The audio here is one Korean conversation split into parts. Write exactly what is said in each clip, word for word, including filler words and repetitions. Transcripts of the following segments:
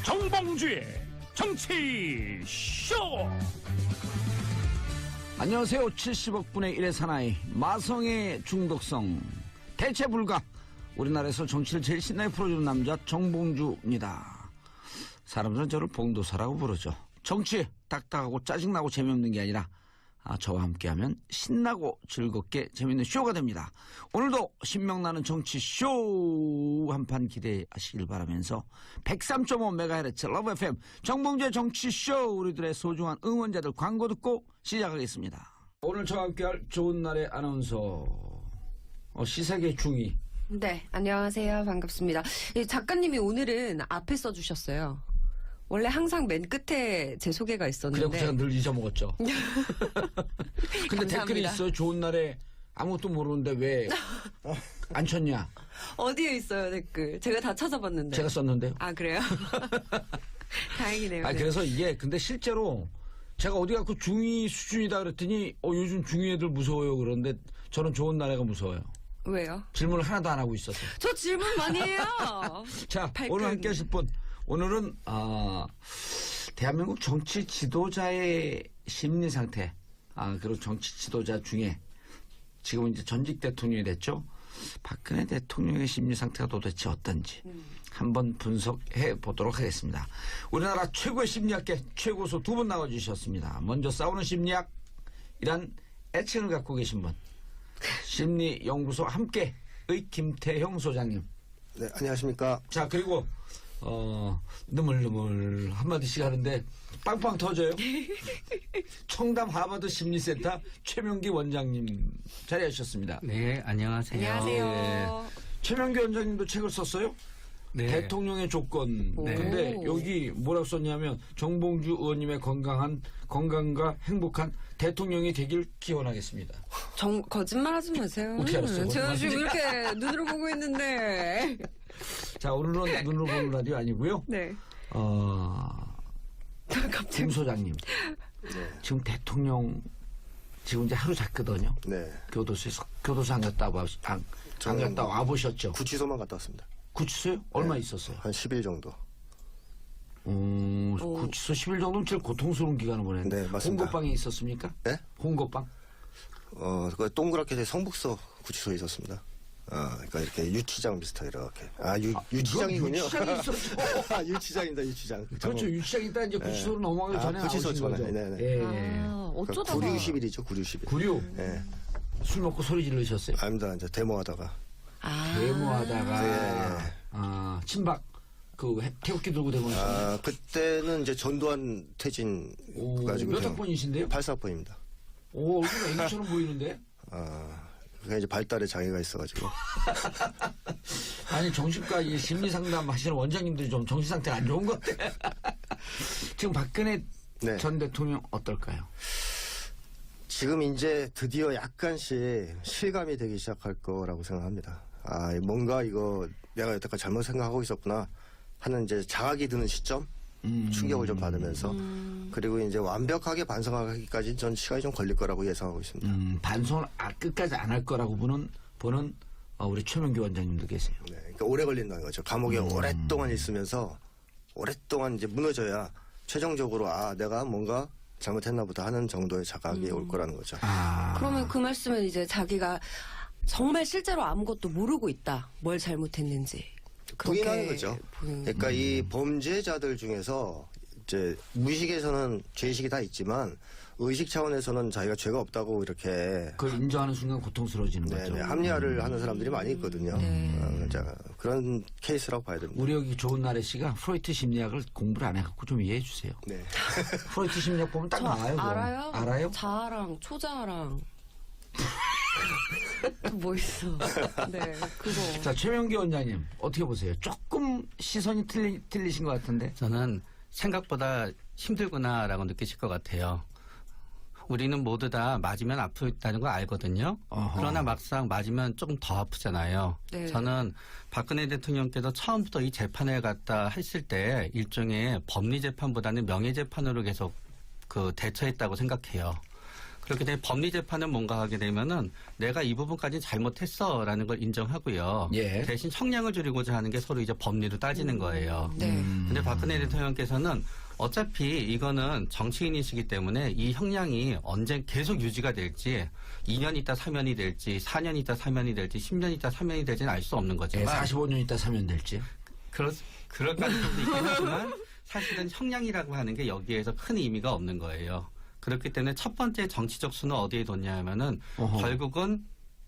정봉주의 정치쇼. 안녕하세요. 칠십억 분의 일의 사나이 마성의 중독성 대체 불가. 우리나라에서 정치를 제일 신나게 풀어주는 남자 정봉주입니다. 사람들은 저를 봉도사라고 부르죠. 정치 딱딱하고 짜증나고 재미없는 게 아니라 아, 저와 함께하면 신나고 즐겁게 재밌는 쇼가 됩니다. 오늘도 신명나는 정치쇼 한판 기대하시길 바라면서 백삼 점 오 메가헤르츠 러브 에프엠 정봉주의 정치쇼, 우리들의 소중한 응원자들 광고 듣고 시작하겠습니다. 오늘 저와 함께할 좋은 날의 아나운서 어, 시사계 중위. 네, 안녕하세요. 반갑습니다. 이 작가님이 오늘은 앞에 써주셨어요. 원래 항상 맨 끝에 제 소개가 있었는데. 그래서 제가 늘 잊어먹었죠. 근데 감사합니다. 댓글이 있어요. 좋은 날에 아무것도 모르는데 왜 안 쳤냐. 어디에 있어요, 댓글? 제가 다 찾아봤는데. 제가 썼는데요. 아, 그래요? 다행이네요. 아, 네. 그래서 이게 근데 실제로 제가 어디 가고 중위 수준이다 그랬더니 어, 요즘 중위 애들 무서워요. 그런데 저는 좋은 날에가 무서워요. 왜요? 질문을 하나도 안 하고 있었어요. 저 질문 많이 해요. 자, 발끈. 오늘 함께 하실 분. 오늘은 아, 대한민국 정치 지도자의 심리 상태, 아, 그리고 정치 지도자 중에 지금은 이제 전직 대통령이 됐죠. 박근혜 대통령의 심리 상태가 도대체 어떤지 음. 한번 분석해 보도록 하겠습니다. 우리나라 최고의 심리학계 최고수 두 분 나와주셨습니다. 먼저 싸우는 심리학이란 애칭을 갖고 계신 분, 심리연구소 함께의 김태형 소장님. 네, 안녕하십니까. 자, 그리고 어, 느물느물 한마디씩 하는데 빵빵 터져요. 청담 하버드 심리센터 최명기 원장님 자리하셨습니다. 네, 안녕하세요. 안녕하세요. 네. 최명기 원장님도 책을 썼어요? 네. 대통령의 조건. 네. 근데 여기 뭐라고 썼냐면 정봉주 의원님의 건강한, 건강과 행복한 대통령이 되길 기원하겠습니다. 정, 거짓말 하지 마세요. 어떻게 알았어요? 제가 지금 이렇게 눈으로 보고 있는데. 자, 오늘은 눈으로 보는 라디오 아니고요. 네. 어, 갑자기. 김 소장님. 지금 대통령 지금 이제 하루 잤거든요. 네. 교도소에서 교도소 안 갔다 와, 안, 안 갔다 와 보셨죠? 구치소만 갔다 왔습니다. 구치소요? 얼마 네. 있었어요? 한 십 일 정도. 음, 구치소 십 일 정도면 제일 고통스러운 기간을 보냈는데. 네, 맞습니다. 홍거방에 있었습니까? 네? 홍거방? 어, 그 동그랗게 돼 성북서 구치소에 있었습니다. 아, 그러니까 이렇게 유치장 비슷하게 이렇게. 아, 유, 유치장이군요. 유치장이 있었죠. 아, 유치장입니다, 유치장. 그렇죠. 유치장 있다 이제 구치소로 넘어가기 아, 전에 구치소 나오신 전에. 거죠. 네네. 예. 아, 어쩌다가. 구류십일이죠, 구류십일. 구류. 예. 술 먹고 소리 지르셨어요. 아닙니다, 이제 데모하다가. 아. 데모하다가. 네, 네. 아, 친박. 그 해- 태극기 들고 데모하셨어요. 아, 그때는 이제 전두환 퇴진 오, 가지고. 몇 학번이신데요? 팔십사 학번입니다. 오, 얼굴 애기처럼 보이는데? 아, 그게 이제 발달에 장애가 있어가지고. 아니, 정신과 이 심리상담 하시는 원장님들이 좀 정신상태가 안 좋은 것 같아. 지금 박근혜 네. 전 대통령 어떨까요? 지금 이제 드디어 약간씩 실감이 되기 시작할 거라고 생각합니다. 아, 뭔가 이거 내가 여태까지 잘못 생각하고 있었구나 하는 이제 자각이 드는 시점? 음. 충격을 좀 받으면서. 그리고 이제 완벽하게 반성하기까지 전 시간이 좀 걸릴 거라고 예상하고 있습니다. 음, 반성을 아, 끝까지 안 할 거라고 보는, 보는 어, 우리 최명기 원장님도 계세요. 네, 그러니까 오래 걸린다는 거죠. 감옥에 음. 오랫동안 있으면서 오랫동안 이제 무너져야 최종적으로 아, 내가 뭔가 잘못했나 보다 하는 정도의 자각이 올 거라는 거죠. 아. 그러면 그 말씀은 이제 자기가 정말 실제로 아무것도 모르고 있다. 뭘 잘못했는지. 그렇게 부인하는 거죠. 부인- 그러니까 이 범죄자들 중에서 이제 무의식에서는 죄의식이 다 있지만 의식 차원에서는 자기가 죄가 없다고 이렇게 그걸 인정하는 순간 고통스러워지는 거죠. 네네, 합리화를 하는 사람들이 많이 있거든요. 네. 어, 자, 그런 케이스라고 봐야 됩니다. 우리 여기 좋은 날의 씨가 프로이트 심리학을 공부를 안 해갖고 좀 이해해 주세요. 네. 프로이트 심리학 보면 딱 저 나와요. 그거. 알아요? 알아요? 자아랑 초자아랑. 또 뭐 있어. 네, 그거. 자, 최명기 원장님 어떻게 보세요? 조금 시선이 틀리, 틀리신 것 같은데. 저는 생각보다 힘들구나라고 느끼실 것 같아요. 우리는 모두 다 맞으면 아프다는 걸 알거든요. 어허. 그러나 막상 맞으면 조금 더 아프잖아요. 네. 저는 박근혜 대통령께서 처음부터 이 재판을 갖다 했을 때 일종의 법리 재판보다는 명예 재판으로 계속 그 대처했다고 생각해요. 그렇게 되면 법리 재판은 뭔가 하게 되면은 내가 이 부분까지는 잘못했어라는 걸 인정하고요. 예. 대신 형량을 줄이고자 하는 게 서로 이제 법리로 따지는 거예요. 네. 근데 박근혜 대통령께서는 어차피 이거는 정치인이시기 때문에 이 형량이 언제 계속 유지가 될지 이 년 있다 사면이 될지 사 년 있다 사면이 될지 십 년 있다 사면이 될지는 알 수 없는 예, 거지만 사십오 년 있다 사면 될지. 그럴, 그럴 가능성도 있긴 하지만 사실은 형량이라고 하는 게 여기에서 큰 의미가 없는 거예요. 그렇기 때문에 첫 번째 정치적 수는 어디에 뒀냐 하면은 어허. 결국은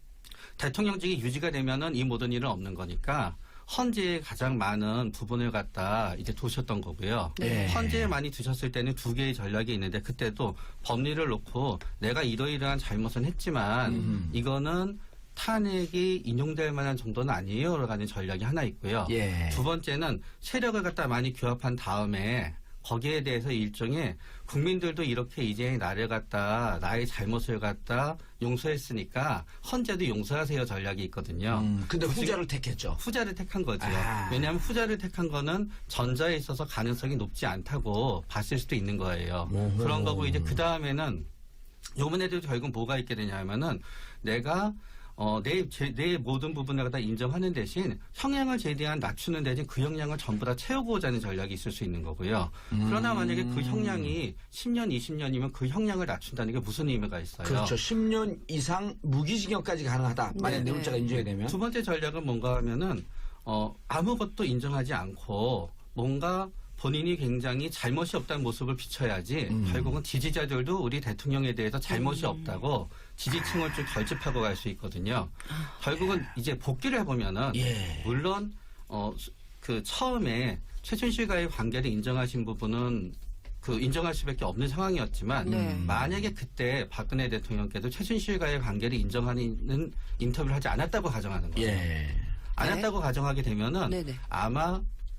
대통령직이 유지가 되면은 이 모든 일은 없는 거니까 헌재에 가장 많은 부분을 갖다 이제 두셨던 거고요. 네. 헌재에 많이 두셨을 때는 두 개의 전략이 있는데 그때도 법리를 놓고 내가 이러이러한 잘못은 했지만 음. 이거는 탄핵이 인용될 만한 정도는 아니에요라고 하는 전략이 하나 있고요. 예. 두 번째는 세력을 갖다 많이 규합한 다음에 거기에 대해서 일종의 국민들도 이렇게 이제 나를 갖다 나의 잘못을 갖다 용서했으니까 헌재도 용서하세요 전략이 있거든요. 음, 근데 굳이 후자를 택했죠. 후자를 택한 거죠. 아. 왜냐하면 후자를 택한 거는 전자에 있어서 가능성이 높지 않다고 봤을 수도 있는 거예요. 오호. 그런 거고 이제 그 다음에는 요번에도 결국 뭐가 있게 되냐 하면은 내가 어, 내, 제, 내 모든 부분을 다 인정하는 대신 형량을 최대한 낮추는 대신 그 형량을 전부 다 채우고자 하는 전략이 있을 수 있는 거고요. 음. 그러나 만약에 그 형량이 십 년, 이십 년이면 그 형량을 낮춘다는 게 무슨 의미가 있어요? 그렇죠. 십 년 이상 무기징역까지 가능하다. 만약 네, 내물자가 네. 인정이 되면. 두 번째 전략은 뭔가 하면은 어, 아무것도 인정하지 않고 뭔가 본인이 굉장히 잘못이 없다는 모습을 비춰야지 음. 결국은 지지자들도 우리 대통령에 대해서 잘못이 없다고 지지층을 쭉 결집하고 갈 수 있거든요. 결국은 이제 복귀를 해보면은 예. 물론 어, 그 처음에 최순실과의 관계를 인정하신 부분은 그 인정할 수밖에 없는 상황이었지만 네. 만약에 그때 박근혜 대통령께도 최순실과의 관계를 인정하는 인터뷰를 하지 않았다고 가정하는 거예요. 예. 안 네. 했다고 가정하게 되면은 네네. 아마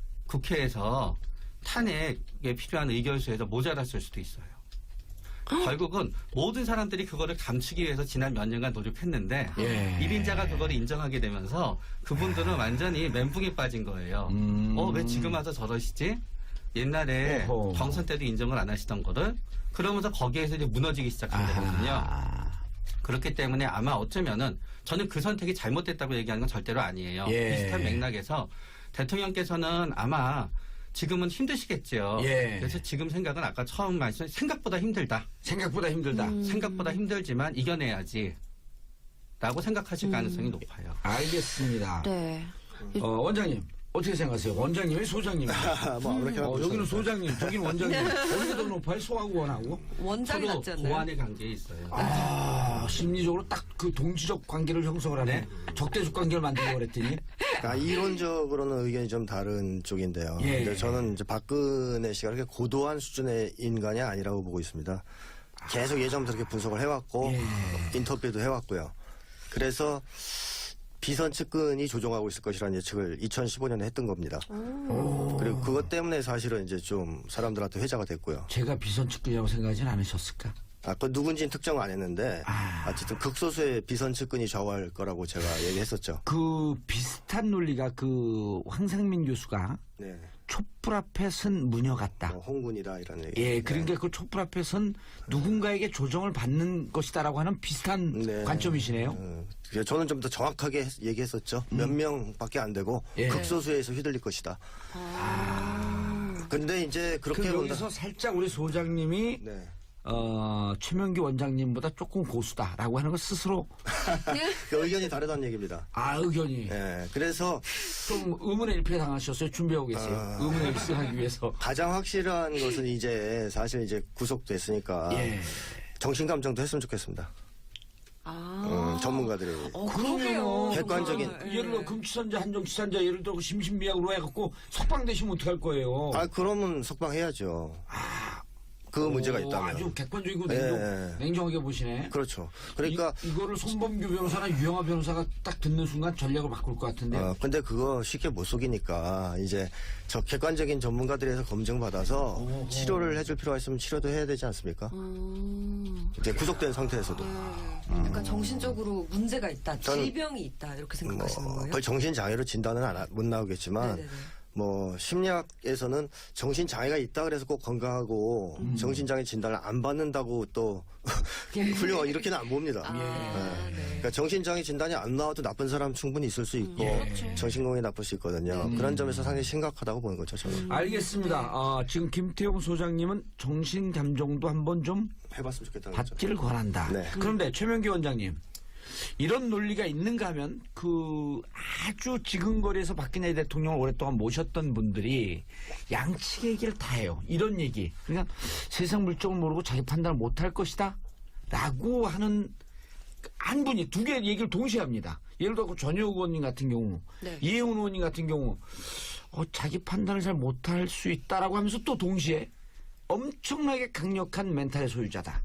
국회에서 탄핵에 필요한 의결수에서 모자랐을 수도 있어요. 결국은 모든 사람들이 그거를 감추기 위해서 지난 몇 년간 노력했는데 예. 일 인자가 그거를 인정하게 되면서 그분들은 완전히 멘붕에 빠진 거예요. 음. 어, 왜 지금 와서 저러시지? 옛날에 오호. 경선 때도 인정을 안 하시던 거를 그러면서 거기에서 이제 무너지기 시작한 거거든요. 아하. 그렇기 때문에 아마 어쩌면은 저는 그 선택이 잘못됐다고 얘기하는 건 절대로 아니에요. 예. 비슷한 맥락에서 대통령께서는 아마 지금은 힘드시겠죠. 예. 그래서 지금 생각은 아까 처음 말씀 생각보다 힘들다. 생각보다 힘들다. 음. 생각보다 힘들지만 이겨내야지. 라고 생각하실 음. 가능성이 높아요. 알겠습니다. 네. 어, 원장님 어떻게 생각하세요? 원장님이 소장님이에요? 뭐 아무렇게나 어, 보셔도 여기는 돼요. 소장님, 저기는 원장님. 어디가 더 높아요? 소하고 원하고? 원장이 서로 낫지 않나요? 보완의 관계에 있어요. 아, 심리적으로 딱 그 동지적 관계를 형성을 하네. 네. 적대적 관계를 만들려고 그랬더니. 그러니까 이론적으로는 의견이 좀 다른 쪽인데요. 예. 근데 저는 이제 박근혜 씨가 그렇게 고도한 수준의 인간이 아니라고 보고 있습니다. 계속 예전부터 그렇게 분석을 해왔고 예. 인터뷰도 해왔고요. 그래서 비선 측근이 조종하고 있을 것이라는 예측을 이천십오 년에 했던 겁니다. 그리고 그것 때문에 사실은 이제 좀 사람들한테 회자가 됐고요. 제가 비선 측근이라고 생각하진 않으셨을까? 아, 그 누군지는 특정 안 했는데 아. 어쨌든 극소수의 비선 측근이 좌우할 거라고 제가 얘기했었죠. 그 비슷한 논리가 그 황상민 교수가 네. 촛불 앞에 선 무녀 같다. 뭐 홍군이다 이런 얘기. 예, 그러니까 그 촛불 앞에 선 누군가에게 조정을 받는 것이다라고 하는 비슷한 네. 관점이시네요. 어, 그래서 저는 좀 더 정확하게 했- 얘기했었죠. 몇 명밖에 안 되고 예. 극소수에서 휘둘릴 것이다. 근데 이제 그 그렇게 본다. 여기서 살짝 우리 소장님이 네. 어, 최명기 원장님보다 조금 고수다라고 하는 걸 스스로 그 의견이 다르다는 얘기입니다. 아 의견이 예. 그래서 좀 의문의 일패 당하셨어요. 준비하고 계세요. 아. 의문의 일승하기 위해서. 가장 확실한 것은 이제 사실 이제 구속됐으니까 예. 정신감정도 했으면 좋겠습니다. 아. 음, 전문가들이. 어, 그러면 그러게요. 객관적인- 정말. 예를 들어 예. 금치산자 한정치산자 예를 들어 심신미약으로 해갖고 석방되시면 어떡할 거예요? 아, 그러면 석방해야죠. 그 문제가 오, 있다면. 아주 객관적이고 예. 냉정, 냉정하게 보시네. 그렇죠. 그러니까 이, 이거를 손범규 변호사나 유영아 변호사가 딱 듣는 순간 전략을 바꿀 것 같은데. 어, 근데 그거 쉽게 못 속이니까 이제 저 객관적인 전문가들에서 검증받아서 어허. 치료를 해줄 필요가 있으면 치료도 해야 되지 않습니까? 음. 이제 구속된 상태에서도. 그러니까 정신적으로 문제가 있다, 저는 질병이 있다 이렇게 뭐 생각하시는 거예요? 거의 정신장애로 진단은 안 하- 못 나오겠지만 네네네. 뭐 심리학에서는 정신 장애가 있다 그래서 꼭 건강하고 음. 정신 장애 진단을 안 받는다고 또 훌륭하고 이렇게는 안 봅니다. 아, 네. 네. 그러니까 정신장애 진단이 안 나와도 나쁜 사람 충분히 있을 수 있고 예. 정신건강이 나쁠 수 있거든요. 음. 그런 점에서 상당히 심각하다고 보는 거죠. 저는 알겠습니다. 아, 지금 김태용 소장님은 정신감정도 한번 좀 해봤으면 좋겠다는 거죠. 받기를 권한다. 네. 그런데 최명기 원장님, 이런 논리가 있는가 하면 그 아주 지근거리에서 박근혜 대통령을 오랫동안 모셨던 분들이 양측의 얘기를 다 해요. 이런 얘기. 그러니까 세상 물정을 모르고 자기 판단을 못할 것이다 라고 하는 한 분이 두 개 얘기를 동시에 합니다. 예를 들어 전효 의원님 같은 경우, 네. 이혜훈 의원님 같은 경우 어, 자기 판단을 잘 못할 수 있다라고 하면서 또 동시에 엄청나게 강력한 멘탈의 소유자다.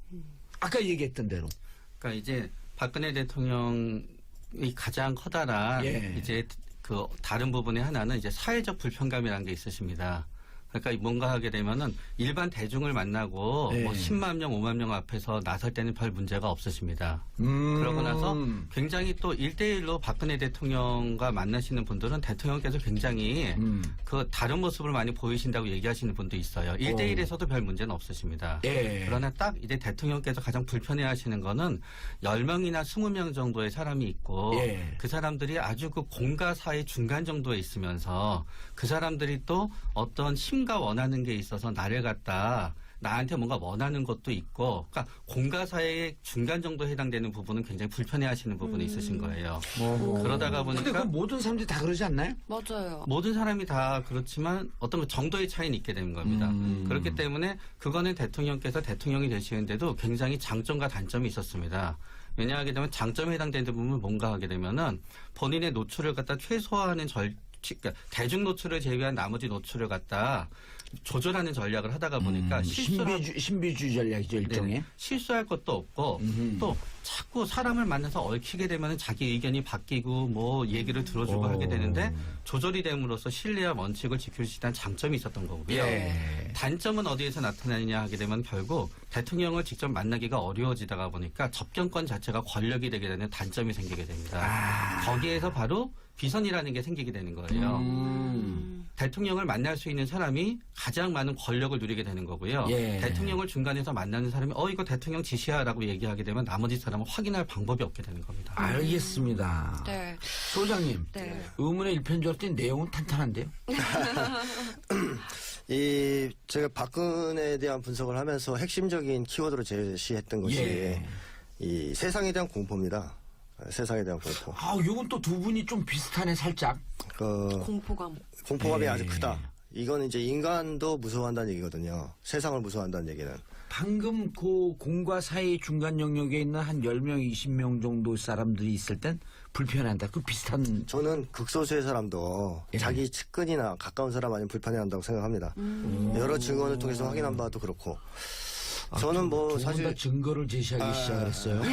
아까 얘기했던 대로. 그러니까 이제 박근혜 대통령이 가장 커다란 예. 이제 그 다른 부분의 하나는 이제 사회적 불편감이라는 게 있으십니다. 그러니까 뭔가 하게 되면은 일반 대중을 만나고 예. 뭐 십만 명, 오만 명 앞에서 나설 때는 별 문제가 없으십니다. 음. 그러고 나서 굉장히 또 일대일로 박근혜 대통령과 만나시는 분들은 대통령께서 굉장히 음. 그 다른 모습을 많이 보이신다고 얘기하시는 분도 있어요. 일대일에서도 별 문제는 없으십니다. 예. 그러나 딱 이제 대통령께서 가장 불편해 하시는 거는 열 명이나 스무 명 정도의 사람이 있고 예. 그 사람들이 아주 그 공과 사의 중간 정도에 있으면서 그 사람들이 또 어떤 힘과 원하는 게 있어서 나를 갖다 나한테 뭔가 원하는 것도 있고, 그러니까 공과 사의 중간 정도에 해당되는 부분은 굉장히 불편해하시는 부분이 있으신 거예요. 어. 그러다가 근데 그 보니까 모든 사람들이 다 그러지 않나요? 맞아요. 모든 사람이 다 그렇지만 어떤 그 정도의 차이는 있게 되는 겁니다. 음. 그렇기 때문에 그거는 대통령께서 대통령이 되시는데도 굉장히 장점과 단점이 있었습니다. 왜냐하게 되면 장점에 해당되는 부분은 뭔가 하게 되면은 본인의 노출을 갖다 최소화하는 절, 그러니까 대중 노출을 제외한 나머지 노출을 갖다 조절하는 전략을 하다가 보니까 음, 실수를 신비주, 신비주의 전략이죠, 일종의. 네, 실수할 것도 없고 음흠. 또 자꾸 사람을 만나서 얽히게 되면 자기 의견이 바뀌고 뭐 얘기를 들어주고 오. 하게 되는데 조절이 됨으로써 신뢰와 원칙을 지킬 수 있다는 장점이 있었던 거고요. 예. 단점은 어디에서 나타나느냐 하게 되면 결국 대통령을 직접 만나기가 어려워지다가 보니까 접견권 자체가 권력이 되게 되는 단점이 생기게 됩니다. 아. 거기에서 바로 비선이라는 게 생기게 되는 거예요. 음. 대통령을 만날 수 있는 사람이 가장 많은 권력을 누리게 되는 거고요. 예. 대통령을 중간에서 만나는 사람이 어 이거 대통령 지시야라고 얘기하게 되면 나머지 사람은 확인할 방법이 없게 되는 겁니다. 알겠습니다. 네. 소장님, 네. 의문의 일편줄 때 내용은 탄탄한데요? 이 제가 박근혜에 대한 분석을 하면서 핵심적인 키워드로 제시했던 것이 예. 이 세상에 대한 공포입니다. 세상에 대한 공포. 아, 요건 또 두 분이 좀 비슷하네, 살짝. 그 공포감. 공포감이 예. 아주 크다. 이건 이제 인간도 무서워한다는 얘기거든요. 세상을 무서워한다는 얘기는. 방금 그 공과 사이 중간 영역에 있는 한 열 명, 이십 명 정도 사람들이 있을 땐 불편해한다. 그 비슷한. 저는 극소수의 사람도 예. 자기 측근이나 가까운 사람 아니면 불편해한다고 생각합니다. 여러 증언을 통해서 확인한 바도 그렇고. 저는 뭐 사실 사실 증거를 제시하기 아. 시작했어요.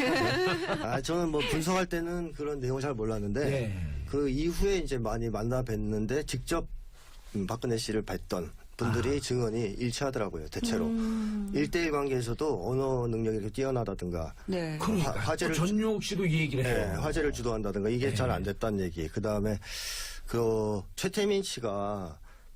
아 저는 뭐 분석할 때는 그런 내용을 잘 몰랐는데 네. 그 이후에 이제 많이 만나 뵀는데 직접 음, 박근혜 씨를 뵀던 분들이 아. 증언이 일치하더라고요. 대체로 음. 일대일 관계에서도 언어 능력이 이렇게 뛰어나다든가 네. 그러니까 화- 화제를 또 전용욱 씨도 이 얘기를 네, 해요. 화제를 주도한다든가 이게 네. 잘 안 됐다는 얘기. 그 다음에 그 최태민 씨가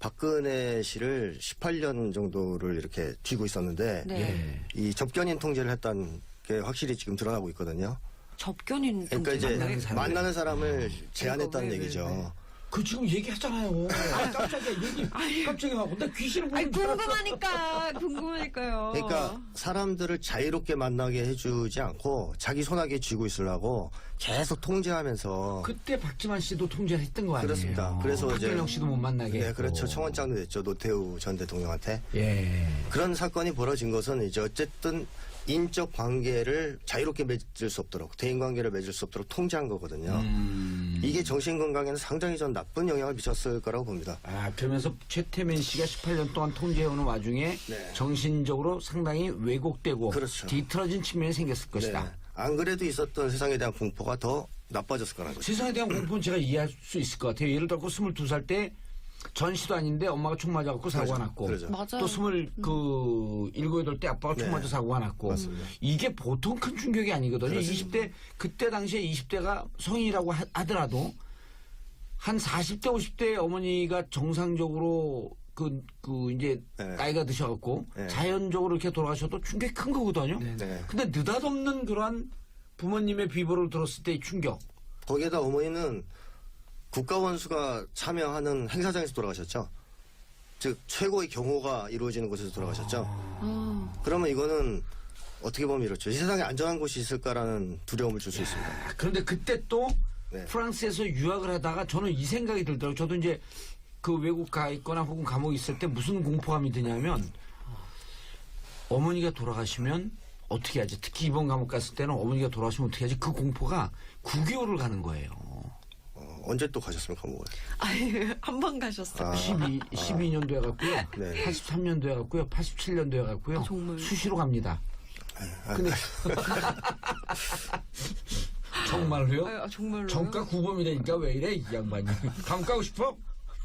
박근혜 씨를 십팔 년 정도를 이렇게 쥐고 있었는데 네. 예. 이 접견인 통제를 했다는 게 확실히 지금 드러나고 있거든요. 접견인 그러니까 통제. 이제 만나는 사람을. 만나는 사람을 제한했다는 왜, 왜, 얘기죠. 왜. 그 지금 얘기하잖아요. 아, 깜짝이야. 얘기 깜짝이야. 하고 나 귀신을 아니, 보는 줄 알았어. 궁금하니까, 궁금하니까요. 그러니까 사람들을 자유롭게 만나게 해주지 않고 자기 손아귀에 쥐고 있으려고 계속 통제하면서 그때 박지만 씨도 통제를 했던 거 아니에요? 그렇습니다. 그래서 이제- 박근영 씨도 못 만나게 네, 했고. 그렇죠. 청원장도 냈죠. 노태우 전 대통령한테. 예. 그런 사건이 벌어진 것은 이제 어쨌든 인적 관계를 자유롭게 맺을 수 없도록 대인 관계를 맺을 수 없도록 통제한 거거든요. 음. 이게 정신 건강에는 상당히 전 나쁜 영향을 미쳤을 거라고 봅니다. 아, 그러면서 최태민 씨가 십팔 년 동안 통제해오는 와중에 네. 정신적으로 상당히 왜곡되고 그렇죠. 뒤틀어진 측면이 생겼을 것이다. 네. 안 그래도 있었던 세상에 대한 공포가 더 나빠졌을 거라는 거죠. 세상에 대한 공포는 제가 이해할 수 있을 것 같아요. 예를 들어 스물두 살 때 전시도 아닌데 엄마가 총 맞아갖고 사고가 그렇죠. 났고 그렇죠. 맞아요. 또 스물 그 일곱 여덟 때 아빠가 총 네. 맞아 사고가 났고 맞습니다. 이게 보통 큰 충격이 아니거든요. 그렇습니다. 이십 대 그때 당시에 이십 대가 성인이라고 하, 하더라도 한 사십 대, 오십 대 어머니가 정상적으로 그, 그, 이제, 네. 나이가 드셔갖고, 네. 자연적으로 이렇게 돌아가셔도 충격이 큰 거거든요. 네. 네. 근데 느닷없는 그러한 부모님의 비보를 들었을 때의 충격. 거기에다 어머니는 국가원수가 참여하는 행사장에서 돌아가셨죠. 즉 최고의 경호가 이루어지는 곳에서 돌아가셨죠. 아, 그러면 이거는 어떻게 보면 이렇죠. 이 세상에 안전한 곳이 있을까라는 두려움을 줄 수 있습니다. 아, 그런데 그때 또 네. 프랑스에서 유학을 하다가 저는 이 생각이 들더라고요. 저도 이제 그 외국 가 있거나 혹은 감옥에 있을 때 무슨 공포감이 드냐면 어머니가 돌아가시면 어떻게 하지? 특히 이번 감옥 갔을 때는 어머니가 돌아가시면 어떻게 하지? 그 공포가 구 개월을 가는 거예요. 어, 언제 또 가셨습니까, 감옥을? 아니, 한 번 가셨어요. 아. 십이, 십이 년도에 갔고요. 네. 팔십삼 년도에 갔고요. 팔십칠 년도에 갔고요. 아, 정말. 수시로 갑니다. 근데 정말로요? 아, 정말로요? 정가 구범이라니까 왜 이래 이 양반이. 감옥 가고 싶어?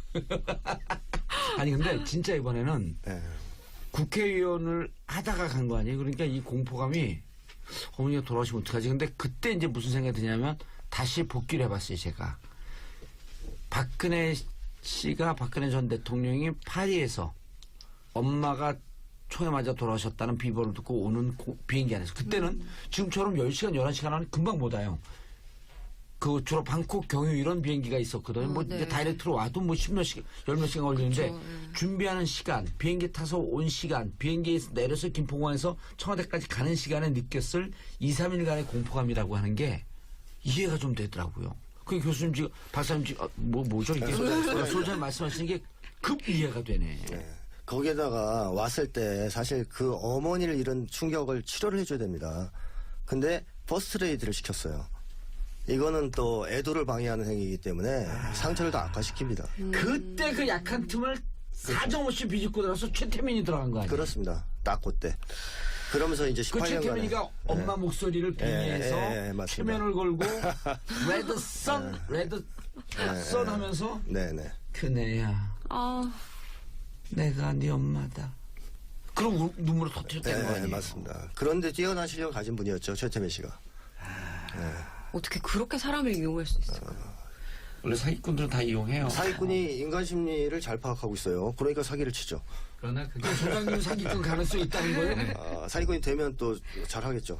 아니 근데 진짜 이번에는 네. 국회의원을 하다가 간 거 아니에요? 그러니까 이 공포감이 어머니가 돌아가시면 어떡하지? 근데 그때 이제 무슨 생각이 드냐면 다시 복귀를 해봤어요, 제가. 박근혜 씨가, 박근혜 전 대통령이 파리에서 엄마가 총에 맞아 돌아가셨다는 비보를 듣고 오는 고- 비행기 안에서. 그때는 음. 지금처럼 열 시간, 열한 시간 하면 금방 못 와요. 그 주로 방콕, 경유 이런 비행기가 있었거든요. 어, 뭐 네. 이제 다이렉트로 와도 뭐 십몇 시간, 열 몇 시간 걸리는데 그쵸, 예. 준비하는 시간, 비행기 타서 온 시간, 비행기에서 내려서 김포공항에서 청와대까지 가는 시간에 느꼈을 이, 삼 일간의 공포감이라고 하는 게 이해가 좀 되더라고요. 그 교수님 지금, 박사님 지금, 아, 뭐, 뭐죠 이게? 소장님 말씀하시는 게 급 이해가 되네. 네. 거기에다가 왔을 때 사실 그 어머니를 잃은 충격을 치료를 해줘야 됩니다. 근데 퍼스트레이드를 시켰어요. 이거는 또 애도를 방해하는 행위이기 때문에 상처를 더 악화시킵니다. 그때 그 약한 틈을 사정없이 비집고 들어서 최태민이 들어간 거 아니에요? 그렇습니다. 딱 그때. 그러면서 이제 그 십팔 년간에 최태민이가 엄마 목소리를 빙의해서 예, 예, 예, 맞습니다. 최면을 걸고 레드 선, 레드 선 하면서 네네. 그네야 아, 내가 네 엄마다. 그럼 우- 눈물을 터뜨렸다는 거 네, 아니에요? 맞습니다. 그런데 뛰어난 실력을 가진 분이었죠, 최태민 씨가. 어떻게 그렇게 사람을 이용할 수 있어요? 원래 사기꾼들은 다 이용해요. 사기꾼이 인간 심리를 잘 파악하고 있어요. 그러니까 사기를 치죠. 그러나 그게 소장님 사기꾼 가능성이 있다는 거예요? 아, 사기꾼이 되면 또 잘하겠죠.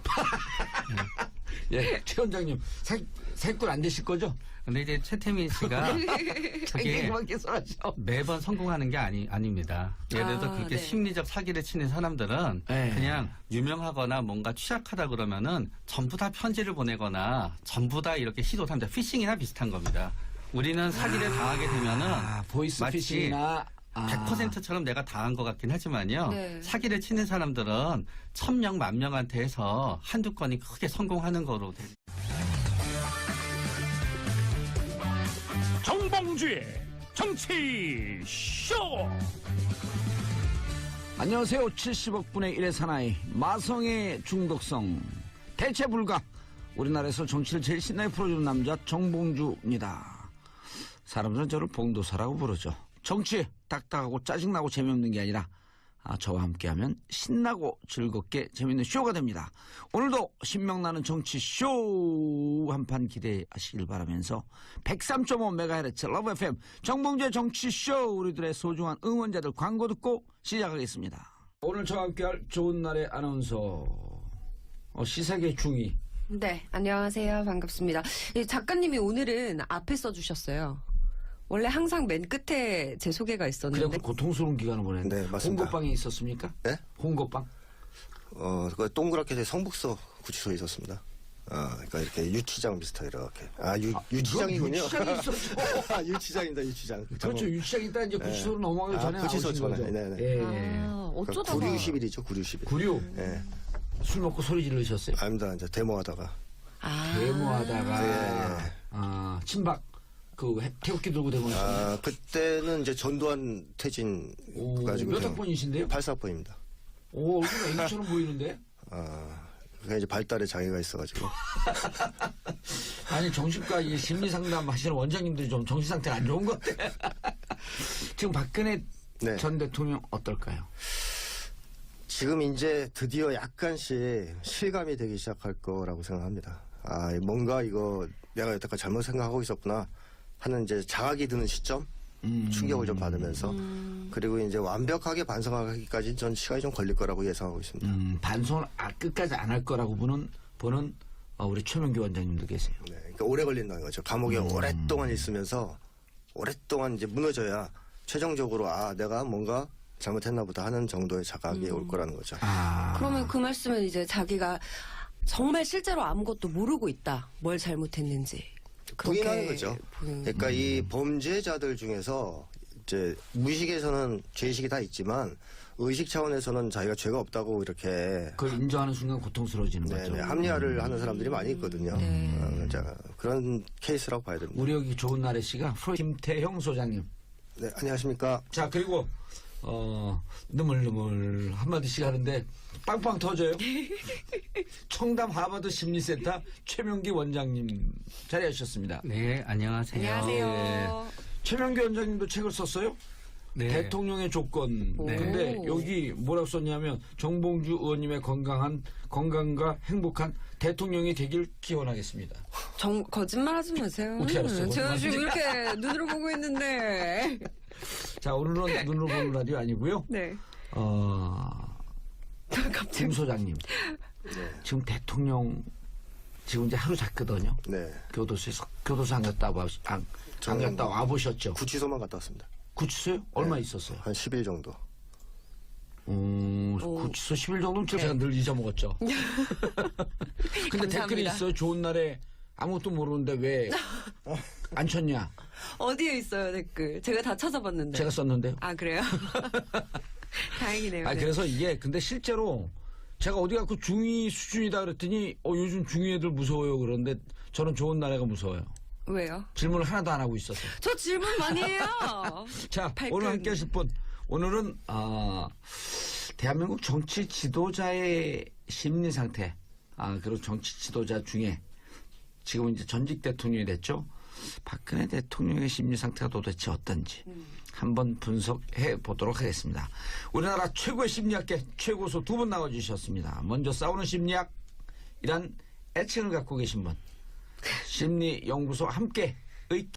예, 최 원장님 사기, 사기꾼 안 되실 거죠? 근데 이제 최태민 씨가 자기 그게 그만 계속하죠. 매번 성공하는 게 아니, 아닙니다. 예를 들어서 아, 그렇게 네. 심리적 사기를 치는 사람들은 네. 그냥 유명하거나 뭔가 취약하다 그러면은 전부 다 편지를 보내거나 전부 다 이렇게 시도를 합니다. 피싱이나 비슷한 겁니다. 우리는 사기를 당하게 되면은 아, 보이스 마치 피싱이나 아. 백 퍼센트처럼 내가 당한 것 같긴 하지만요. 네. 사기를 치는 사람들은 천 명, 만 명한테 해서 한두 건이 크게 성공하는 거로 됩니다. 정봉주의 정치 쇼. 안녕하세요. 칠십억 분의 일의 사나이 마성의 중독성 대체 불가. 우리나라에서 정치를 제일 신나게 풀어주는 남자 정봉주입니다. 사람들은 저를 봉도사라고 부르죠. 정치 딱딱하고 짜증나고 재미없는 게 아니라 아, 저와 함께하면 신나고 즐겁게 재밌는 쇼가 됩니다. 오늘도 신명나는 정치 쇼 한판 기대하시길 바라면서 백삼 점 오 메가헤르츠 러브 에프엠 정봉주의 정치 쇼, 우리들의 소중한 응원자들 광고 듣고 시작하겠습니다. 오늘 저와 함께할 좋은 날의 아나운서 어, 시사계 중위. 네, 안녕하세요. 반갑습니다. 이 작가님이 오늘은 앞에 써주셨어요. 원래 항상 맨 끝에 제 소개가 있었는데. 그냥 고통스러운 기간을 보냈는데 네, 맞습니다. 홍고빵이 있었습니까? 네? 홍고빵? 어, 그 동그랗게 된 성북서 구치소에 있었습니다. 아, 그러니까 이렇게 유치장 비슷하게 이렇게. 아, 유, 유치장이군요. 유치장이 있었죠. 아, 유치장입니다, 유치장. 그렇죠. 유치장 있다 이제 구치소로 넘어가기 아, 전에 구치소 나오신 전에. 거죠. 네네. 예. 아, 어쩌다가. 구류십일이죠, 구류십일. 구류. 예. 술 먹고 소리 지르셨어요? 아닙니다, 이제 데모하다가. 아. 데모하다가 예, 예. 아, 친박 그 해- 태극기 들고 데모하셨어요. 아, 그때는 이제 전두환 퇴진 오, 가지고. 몇 학번이신데요? 팔 사학번입니다. 오, 얼굴 애기처럼 보이는데? 아, 그게 이제 발달에 장애가 있어가지고. 아니, 정신과 이 심리 상담 하시는 원장님들이 좀 정신 상태가 안 좋은 것 같아. 지금 박근혜 네. 전 대통령 어떨까요? 지금 이제 드디어 약간씩 실감이 되기 시작할 거라고 생각합니다. 아, 뭔가 이거 내가 여태까지 잘못 생각하고 있었구나 하는 이제 자각이 드는 시점 음. 충격을 좀 받으면서 그리고 이제 완벽하게 반성하기까지 전 시간이 좀 걸릴 거라고 예상하고 있습니다. 음, 반성을 아, 끝까지 안 할 거라고 보는 보는 어, 우리 최명기 원장님도 계세요. 네, 그러니까 오래 걸린다는 거죠. 감옥에 음. 오랫동안 있으면서 오랫동안 이제 무너져야 최종적으로 아 내가 뭔가 잘못했나 보다 하는 정도의 자각이 올 거라는 거죠. 아, 그러면 그 말씀은 이제 자기가 정말 실제로 아무것도 모르고 있다. 뭘 잘못했는지. 그렇게 부인하는 거죠. 보는- 그러니까 이 범죄자들 중에서 이제 무의식에서는 죄의식이 다 있지만 의식 차원에서는 자기가 죄가 없다고 이렇게 그걸 인정하는 순간 고통스러워지는 거죠. 네네, 합리화를 하는 사람들이 많이 있거든요. 네. 어, 자, 그런 케이스라고 봐야 됩니다. 우리 여기 좋은 날의 씨가 프로이트 김태형 소장님. 네, 안녕하십니까. 자, 그리고 어 느물느물 한마디씩 하는데 빵빵 터져요. 청담 하버드 심리센터 최명기 원장님 자리하셨습니다. 네, 안녕하세요. 안녕하세요. 최명기 원장님도 책을 썼어요? 네. 대통령의 조건. 네. 근데 여기 뭐라고 썼냐면 정봉주 의원님의 건강한 건강과 행복한 대통령이 되길 기원하겠습니다. 정, 거짓말하지 마세요. 어떻게 알았어요? 제가 지금 이렇게 눈으로 보고 있는데. 자, 오늘은 눈으로 보는 라디오 아니고요. 네. 어, 갑자기. 김 소장님. 지금 대통령 지금 이제 하루 잤거든요. 네. 교도소에서 교도소 안 갔다 와, 안, 안 갔다 와 보셨죠? 구치소만 갔다 왔습니다. 구치소요? 얼마 있었어요? 한 십 일 정도. 음, 오. 구치소 십 일 정도면 제가 네. 늘 잊어먹었죠. 근데 댓글이 감사합니다. 있어요. 좋은 날에 아무것도 모르는데 왜 안 쳤냐? 어디에 있어요, 댓글? 제가 다 찾아봤는데. 제가 썼는데요. 아, 그래요? 다행이네요. 아, 네. 그래서 이게 근데 실제로 제가 어디 가고 중이 수준이다 그랬더니 어, 요즘 중이 애들 무서워요. 그런데 저는 좋은 날에가 무서워요. 왜요? 질문을 하나도 안 하고 있었어요. 저 질문 많이 해요. 자, 발끈. 오늘 함께 하실 분. 오늘은, 아, 대한민국 정치 지도자의 심리 상태, 아, 그리고 정치 지도자 중에 지금 이제 전직 대통령이 됐죠. 박근혜 대통령의 심리 상태가 도대체 어떤지 한번 분석해 보도록 하겠습니다. 우리나라 최고의 심리학계 최고수 두 분 나와주셨습니다. 먼저 싸우는 심리학이란 애칭을 갖고 계신 분. 심리연구소 함께 의